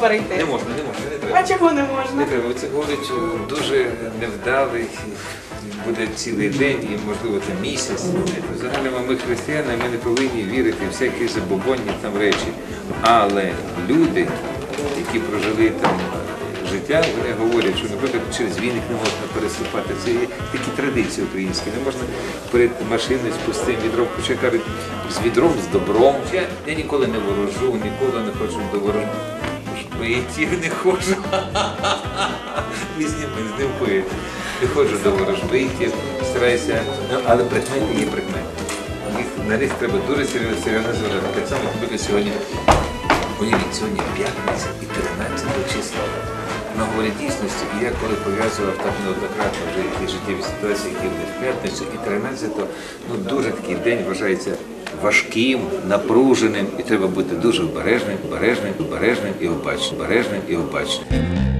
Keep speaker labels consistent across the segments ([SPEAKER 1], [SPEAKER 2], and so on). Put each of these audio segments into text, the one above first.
[SPEAKER 1] перейти?
[SPEAKER 2] Не можна, не треба.
[SPEAKER 1] А чого не можна?
[SPEAKER 2] Не треба. Це говорить дуже невдалий, буде цілий день і, можливо, там місяць. Взагалі ми християни, ми не повинні вірити в всякі забобонні там речі. Але люди, які прожили там життя, вони говорять, що, наприклад, через віник не можна переступати. Це є такі традиції українські. Не можна перед машиною з пустим відром, хоча кажуть, з відром, з добром. Я ніколи не ворожу, ніколи не хочу до ворожбитів, не ходжу. Ми з ним поїдемо. Не ходжу до ворожбитів, стараюся, але прикмети є прикмети. На них треба дуже серйозно зважати. Так само, як сьогодні, уявіть, сьогодні п'ятниця і 13 числа. На говорі дійсності, і я коли пов'язував так неоднократно вже які життєві ситуації, які були в п'ятницю, і 13-го, дуже такий день вважається важким, напруженим, і треба бути дуже обережним і обачним.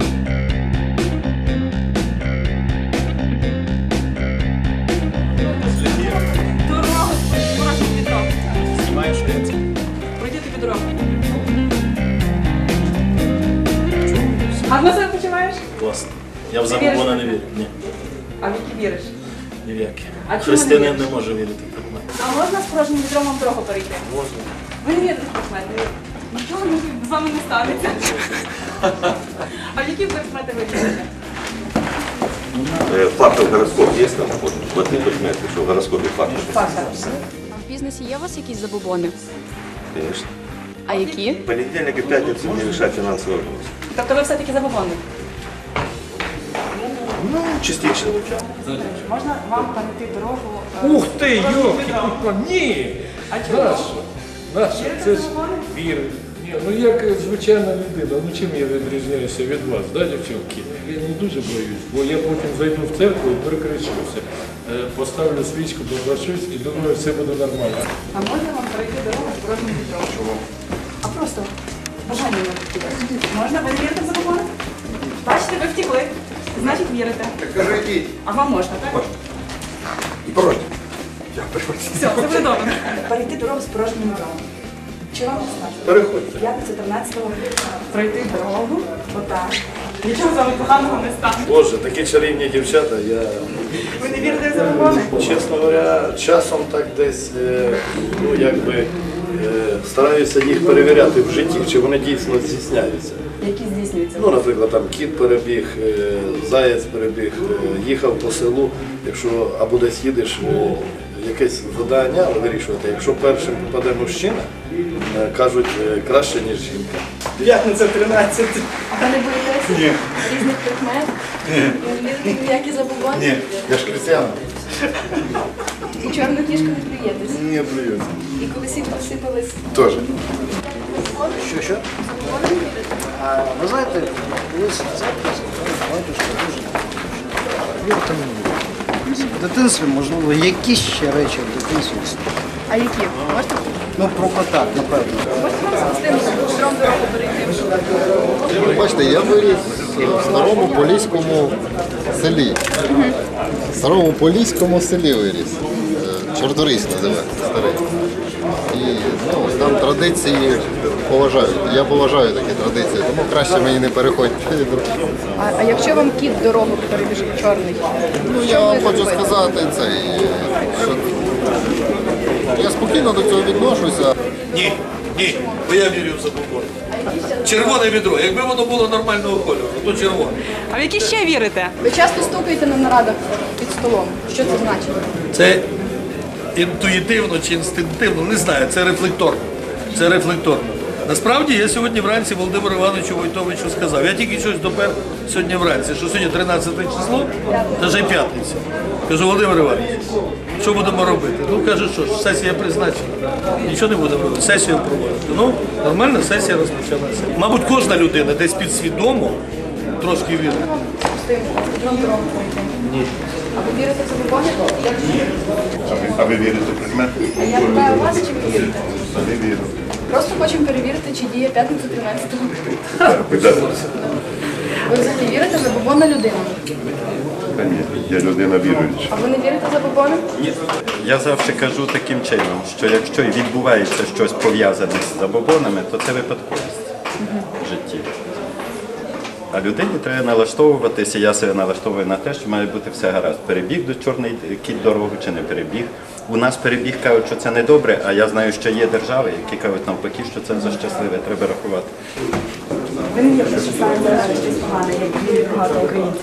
[SPEAKER 1] Дорогу з порожнім відром.
[SPEAKER 3] Знімаєш лекцію?
[SPEAKER 1] Пройди тобі дорогу. Гарно себе почуваєш?
[SPEAKER 3] Класно. Я в забобони не вірю. Ні.
[SPEAKER 1] А в які віриш?
[SPEAKER 3] Ні в які.
[SPEAKER 1] А чому не
[SPEAKER 3] Християнин
[SPEAKER 1] віриш?
[SPEAKER 3] не може вірити в предмет.
[SPEAKER 1] А можна з порожнім відром вам дорогу перейти?
[SPEAKER 3] Можна.
[SPEAKER 1] Ви не вірите в предмети? Нічого з вами не станеться. А в які предмети ви вірите?
[SPEAKER 4] Фактов гороскоп є там? В одних предметах, що в гороскопі фактов.
[SPEAKER 1] Фактор.
[SPEAKER 5] А в бізнесі є у вас якісь забобони?
[SPEAKER 4] Звісно.
[SPEAKER 5] А які?
[SPEAKER 4] Понедельник і п'ятницю не лише фінансового вопросу.
[SPEAKER 1] Тобто ви все-таки забобонник?
[SPEAKER 4] Ну, частично.
[SPEAKER 1] Можна вам перейти дорогу?
[SPEAKER 6] Ух ти, йолки, ні!
[SPEAKER 1] А чого?
[SPEAKER 6] Наша,
[SPEAKER 1] Вірите
[SPEAKER 6] це
[SPEAKER 1] в
[SPEAKER 6] ж
[SPEAKER 1] забобони?
[SPEAKER 6] віра. Ні, ну як звичайна людина, ну чим я відрізняюся від вас, да, дівчинки? Я не дуже боюсь, бо я потім зайду в церкву і перекричуся. Поставлю свічку, поплачусь і думаю, все буде нормально.
[SPEAKER 1] А можна вам перейти дорогу з порожнім відром? Чого? А просто бажання не втікає. Можна? Ви не вірите в забобони? Бачите, ви втікли. Значить вірите.
[SPEAKER 4] Так кажи, йдіть.
[SPEAKER 1] А вам можна, так?
[SPEAKER 4] Можна. І порожні.
[SPEAKER 1] Все, це буде добре. Перейти дорогу з порожнім відром. Чи вам достатньо?
[SPEAKER 4] Переходьте.
[SPEAKER 1] П'ятниця 13-го пройти дорогу, отак. Нічого з вами поганого не стане.
[SPEAKER 3] Боже, такі чарівні дівчата, я,
[SPEAKER 1] Ви не вірите в забобони?
[SPEAKER 3] чесно говоря, часом так десь, ну якби, стараюся їх перевіряти в житті, чи вони дійсно здійсняються.
[SPEAKER 1] Які здійснюються?
[SPEAKER 3] Ну, наприклад, там кіт перебіг, заєць перебіг, їхав по селу, якщо або десь їдеш, якесь завдання вирішувати, якщо першим попаде мужчина, кажуть, краще, ніж жінка. П'ятниця 13.
[SPEAKER 5] А ви не боїтеся різних предметів? Не вірите в ніякі забобони?
[SPEAKER 4] Ні, я ж християнин.
[SPEAKER 5] І чорну книжку не плюєтесь?
[SPEAKER 4] Не блююся.
[SPEAKER 5] І коли світло всипались?
[SPEAKER 4] Теж.
[SPEAKER 7] Що?
[SPEAKER 5] Забобони не вірите?
[SPEAKER 7] А ви знаєте, колись в церкві батюшка дуже вірте мені. В дитинстві, можливо, якісь ще речі в дитинстві.
[SPEAKER 5] А які? Можете?
[SPEAKER 7] Ну, про кота, напевно.
[SPEAKER 5] Можете вам з тим відром дорогу перейти?
[SPEAKER 8] Бачите, я виріс в старому поліському селі. В старому поліському селі виріс. Чорторийсь називається, старий. І ну, там традиції поважають. Я поважаю такі традиції, тому краще мені не переходьте.
[SPEAKER 5] А якщо вам кіт дорогу перебіжить чорний?
[SPEAKER 8] Ну, я вам хочу сказати це, що я спокійно до цього відношуся.
[SPEAKER 9] Ні, бо я вірю в забобони. Червоне відро. Якби воно було нормального кольору, то червоне.
[SPEAKER 1] А в які ще вірите?
[SPEAKER 5] Ви часто стукаєте на нарадах під столом. Що це значить?
[SPEAKER 9] Це інтуїтивно чи інстинктивно, не знаю, це рефлекторно. Це рефлекторно. Насправді я сьогодні вранці Володимиру Івановичу Войтовичу сказав, я тільки щось допер сьогодні вранці, що сьогодні 13 число, та вже п'ятниця. Кажу, Володимир Іванович, що будемо робити? Ну, каже, що ж, сесія призначена. Нічого не будемо робити, сесію проводити. Ну, нормальна сесія розпочалася. Мабуть, кожна людина десь підсвідомо трошки вірить.
[SPEAKER 5] Відром дорогу перейти? Ні. А ви вірите в забобони?
[SPEAKER 4] А ви вірите в предмети?
[SPEAKER 5] А я питаю вас, чи ви вірите?
[SPEAKER 4] Не вірю.
[SPEAKER 5] Просто хочемо перевірити, чи діє п'ятниця 13-го. Ви взагалі вірите в забобонна людина?
[SPEAKER 4] Та ні, я людина віруюча.
[SPEAKER 5] А ви не вірите в забобони?
[SPEAKER 10] Я завжди кажу таким чином, що якщо і відбувається щось пов'язане з забобонами, то це випадковість в житті. А людині треба налаштовуватися, я себе налаштовую на те, що має бути все гаразд. Перебіг до чорний кіт дорогу чи не перебіг. У нас перебіг кажуть, що це не добре, а я знаю, що є держави, які кажуть навпаки, що це за щасливе, треба рахувати.
[SPEAKER 1] Ви не вірите, що саме зараз щось погане, як вірить багато українців?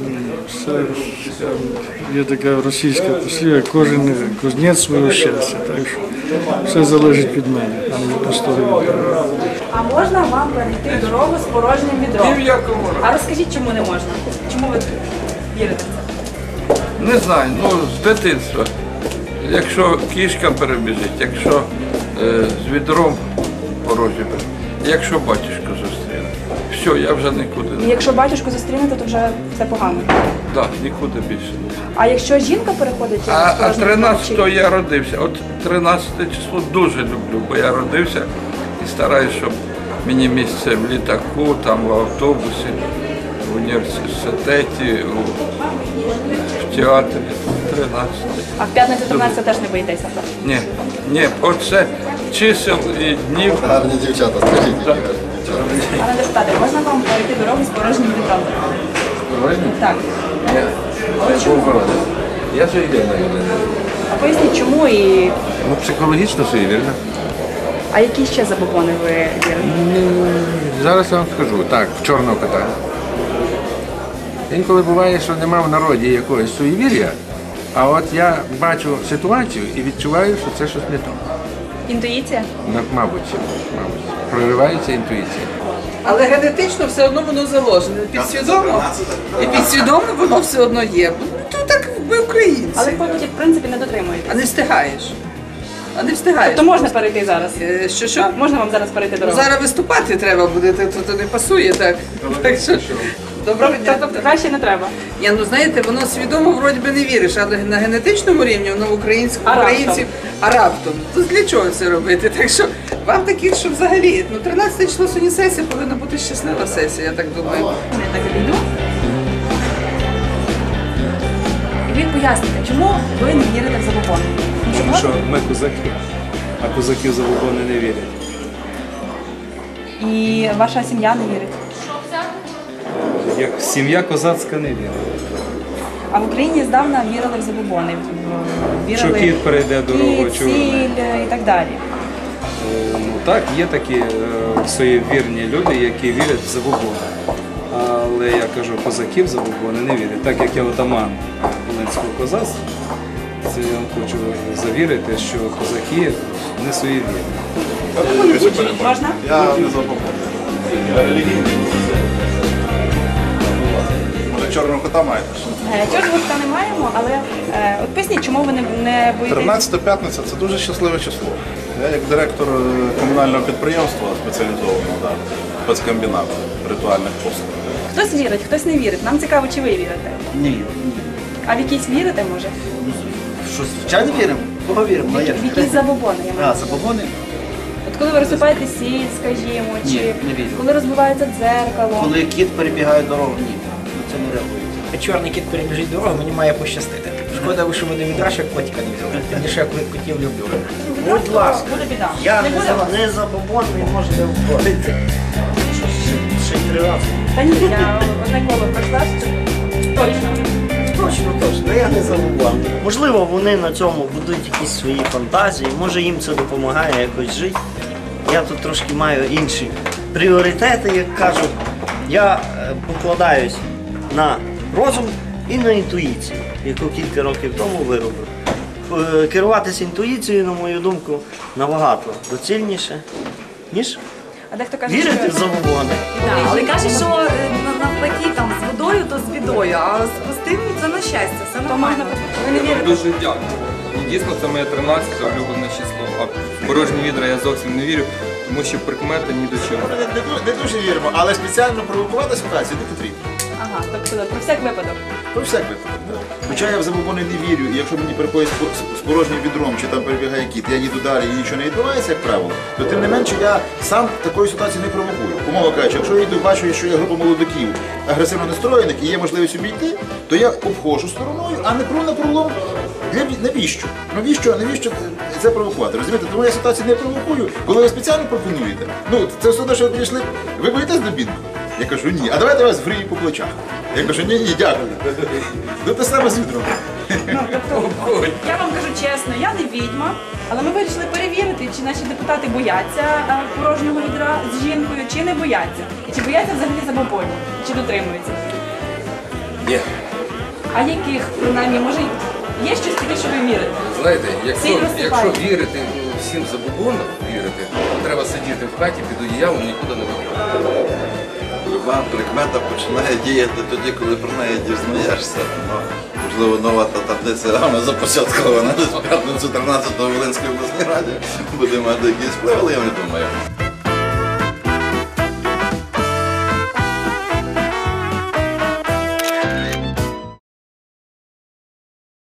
[SPEAKER 6] Є така російська послів'я, кожен кузнець свого щастя, так що все залежить від мене, а не від пустого вітра.
[SPEAKER 1] А можна вам перейти дорогу з порожнім відром?
[SPEAKER 11] Ні в якому разі.
[SPEAKER 1] А розкажіть, чому не можна? Чому ви вірите в це?
[SPEAKER 11] Не знаю, ну з дитинства. Якщо кішка перебіжить, якщо з відром порожнім, якщо батюшку зустріне, все, я вже нікуди
[SPEAKER 1] І
[SPEAKER 11] не.
[SPEAKER 1] якщо батюшку зустрінете, то вже все погано.
[SPEAKER 11] Так, нікуди більше не.
[SPEAKER 1] А якщо жінка переходить
[SPEAKER 11] А
[SPEAKER 1] з порожнім відром,
[SPEAKER 11] 13-го я родився. От 13 число дуже люблю, бо я родився і стараюсь, щоб мені місце в літаку, там в автобусі, в університеті, в театрі. 13.
[SPEAKER 1] А в п'ятницю 13 теж не боїтеся? Так?
[SPEAKER 11] Ні, оце чисел і днів.
[SPEAKER 8] Гарні дівчата, скажіть, які гарні дівчата.
[SPEAKER 1] Пане депутате, можна вам перейти дорогу з порожнім відром?
[SPEAKER 2] Порожнім?
[SPEAKER 1] Так.
[SPEAKER 2] Я був городом. Я суєвірна людина.
[SPEAKER 1] А поясніть, чому і...
[SPEAKER 2] Ну, психологічно суєвірна.
[SPEAKER 1] А які ще забобони ви вірите?
[SPEAKER 2] Зараз я вам скажу. Так, в чорного кота. Інколи буває, що нема в народі якогось суєвір'я, а от я бачу ситуацію і відчуваю, що це щось не то.
[SPEAKER 1] Інтуїція?
[SPEAKER 2] Мабуть, проривається інтуїція.
[SPEAKER 12] Але генетично все одно воно заложене. Підсвідомо. І підсвідомо воно все одно є. Ну так ми українці.
[SPEAKER 1] Але потім, в принципі, не дотримуєтесь.
[SPEAKER 12] А не встигаєш. А не встигаєш.
[SPEAKER 1] Тобто можна перейти зараз?
[SPEAKER 12] Що?
[SPEAKER 1] Можна вам зараз перейти дорогу?
[SPEAKER 12] Зараз виступати треба буде, то не пасує так. Так що, доброго дня.
[SPEAKER 1] Тобто краще не треба?
[SPEAKER 12] Ні, ну знаєте, воно свідомо вроді би не віриш, але на генетичному рівні воно в українців, а раптом. То для чого це робити? Так що вам таких, що взагалі, 13 число сьогодні сесія, повинна бути щаслива сесія, я так думаю.
[SPEAKER 1] Я так відійду. І ви поясните, чому ви не вірите в забобони?
[SPEAKER 13] Тому що ми козаки, а козаки в забобони не вірять.
[SPEAKER 1] І ваша сім'я не вірить?
[SPEAKER 13] Як сім'я козацька не вірить.
[SPEAKER 1] А в Україні здавна вірили в забобони.
[SPEAKER 13] Що кіт перейде дорогу,
[SPEAKER 1] кіт, сіль і так далі.
[SPEAKER 13] Ну так, є такі суєвірні люди, які вірять в забобони. Але я кажу, козаків в забобони не вірять. Так як я отаман Волинського козацтва, це я вам хочу завірити, що козаки не суєвірні.
[SPEAKER 1] Можна?
[SPEAKER 3] Я не забув. Я релігійний. Чорного кота маєте?
[SPEAKER 1] Чорного кота не маємо, але от поясніть, чому ви не боїтесь?
[SPEAKER 3] 13 п'ятниця – це дуже щасливе число. Я як директор комунального підприємства спеціалізованого, спецкомбінат ритуальних послуг.
[SPEAKER 1] Хтось вірить, хтось не вірить. Нам цікаво, чи ви вірите.
[SPEAKER 7] Не вірю.
[SPEAKER 1] А в якісь вірите, може?
[SPEAKER 7] Що, звичайно віримо? Кого віримо?
[SPEAKER 1] В якісь забобони, я маю.
[SPEAKER 7] Забобони?
[SPEAKER 1] От коли ви розсипаєте сіль, скажімо,
[SPEAKER 7] Ні,
[SPEAKER 1] чи
[SPEAKER 7] не вірю.
[SPEAKER 1] коли розбивається дзеркало.
[SPEAKER 7] Коли кіт перебігає дорогу, ні. Це не реагує.
[SPEAKER 14] Чорний кіт перебіжить дорогу, мені має пощастити. Шкода, що ви не відра, що котика не взяли. Тим більше я котів люблю.
[SPEAKER 7] Будь ласка,
[SPEAKER 1] Буде біда.
[SPEAKER 7] я
[SPEAKER 1] Не буде вас?
[SPEAKER 7] не забобонний, можете входити. Ще й 3 рази.
[SPEAKER 1] Та ні, я одне коло пройшла, що точно.
[SPEAKER 7] Точно, я не забобонний. Можливо, вони на цьому будуть якісь свої фантазії, може їм це допомагає якось жити. Я тут трошки маю інші пріоритети, як кажуть. Я покладаюсь на розум і на інтуїцію, яку кілька років тому виробив. Керуватися інтуїцією, на мою думку, набагато доцільніше, ніж
[SPEAKER 1] А дехто каже,
[SPEAKER 7] вірити в забобони.
[SPEAKER 15] Але каже, що навпаки там з водою, то з бідою, а з пустим це на щастя, все нормально.
[SPEAKER 1] Ви не вірите?
[SPEAKER 16] Дуже дякую. І дійсно це моє 13-те улюблене число. А в порожні відра я зовсім не вірю, тому що прикмети ні до чого.
[SPEAKER 3] Не дуже віримо, але спеціально провокувати ситуацію не потрібно.
[SPEAKER 1] Ага, тобто про всяк випадок.
[SPEAKER 3] Про всяк випадок. Хоча я в забобони не вірю, і якщо мені переходять з порожнім відром, чи там перебігає кіт, я їду далі і нічого не відбувається, як правило, то тим не менше я сам такої ситуації не провокую. Умовно кажучи, якщо я йду, бачу, що є група молодиків агресивно настроєних і є можливість обійти, то я обходжу стороною, а не пру на пролом. Навіщо? Навіщо це провокувати? Розумієте? Тому я ситуацію не провокую, коли ви спеціально пропонуєте. Ну, це все одно, що ви прийшли. Ви боїтесь до бінку?
[SPEAKER 17] Я кажу, ні. А давайте вас грію по плечах. Я кажу, ні, дякую. Ну те саме з відром.
[SPEAKER 1] Я вам кажу чесно, я не відьма, але ми вирішили перевірити, чи наші депутати бояться порожнього відра з жінкою, чи не бояться. І чи бояться взагалі забобонів, чи дотримуються.
[SPEAKER 18] Ні.
[SPEAKER 1] А яких, принаймні, може, є щось таке, що ви вірите?
[SPEAKER 18] Знаєте,
[SPEAKER 1] Сильно
[SPEAKER 18] якщо
[SPEAKER 1] вступаєте.
[SPEAKER 18] вірити всім забобонам, треба сидіти в хаті під одіялом, нікуди не виходити.
[SPEAKER 19] Люба прикмета починає діяти тоді, коли про неї дізнаєшся. Ну, можливо, нова та таблиця Гама започаткована десь в п'ятницю 13-го в Волинській обласній раді. Буде мати якийсь вплив, але я не думаю.